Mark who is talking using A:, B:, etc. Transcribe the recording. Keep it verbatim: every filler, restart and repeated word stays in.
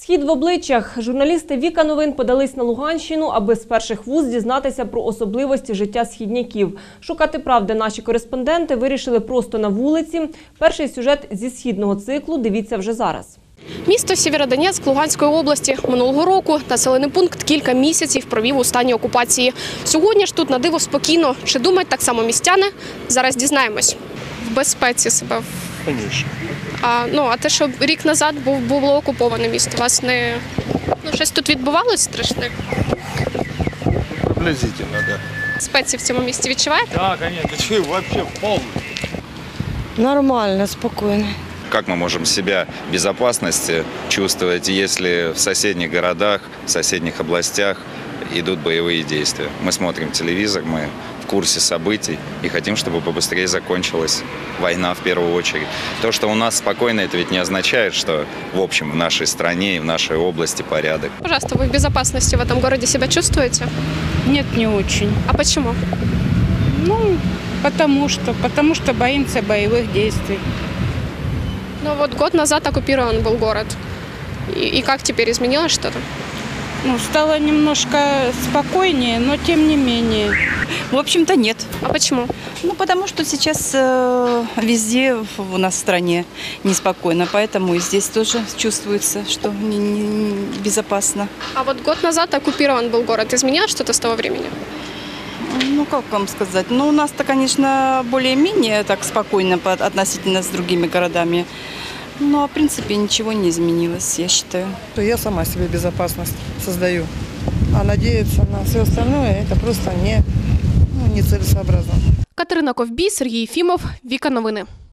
A: Схід в обличчях. Журналісти Віка Новин подались на Луганщину, аби з перших вуст дізнатися про особливості життя східняків. Шукати правди наші кореспонденти вирішили просто на вулиці. Перший сюжет зі східного циклу дивіться вже зараз.
B: Місто Сєвєродонецьк Луганської області. Минулого року населений пункт кілька місяців провів у стані окупації. Сьогодні ж тут на диво спокійно. Чи думають так само містяни? Зараз дізнаємось. В безпеці себе.
C: Конечно.
B: А, ну, а те, що рік назад був, було окуповане місто, вас не... Ну, щось тут відбувалося страшне?
C: Приблизительно, да.
B: Спеції в цьому місті відчуваєте?
C: Да, конечно. Ты что, вообще полный?
D: Нормально, спокойно.
E: Как мы можем себя в безопасности чувствовать, если в соседних городах, в соседних областях идут боевые действия? Мы смотрим телевизор, мы в курсе событий и хотим, чтобы побыстрее закончилась война в первую очередь. То, что у нас спокойно, это ведь не означает, что в общем в нашей стране и в нашей области порядок.
B: Пожалуйста, вы в безопасности в этом городе себя чувствуете?
F: Нет, не очень.
B: А почему?
F: Ну, потому что, потому что боимся боевых действий.
B: Ну вот год назад оккупирован был город. И, и как теперь, изменилось что-то?
F: Ну, стало немножко спокойнее, но тем не менее.
G: В общем-то, нет.
B: А почему?
G: Ну, потому что сейчас э, везде у нас в стране неспокойно, поэтому и здесь тоже чувствуется, что не, не безопасно.
B: А вот год назад оккупирован был город. Изменилось что-то с того времени?
G: Ну, как вам сказать? Ну, у нас-то, конечно, более-менее так спокойно по- относительно с другими городами. Но, в принципе, ничего не изменилось, я считаю.
D: Я сама себе безопасность создаю. А надеяться на все остальное – это просто не, ну, нецелесообразно.
B: Катерина Ковбій, Сергій Єфімов, Віка Новини.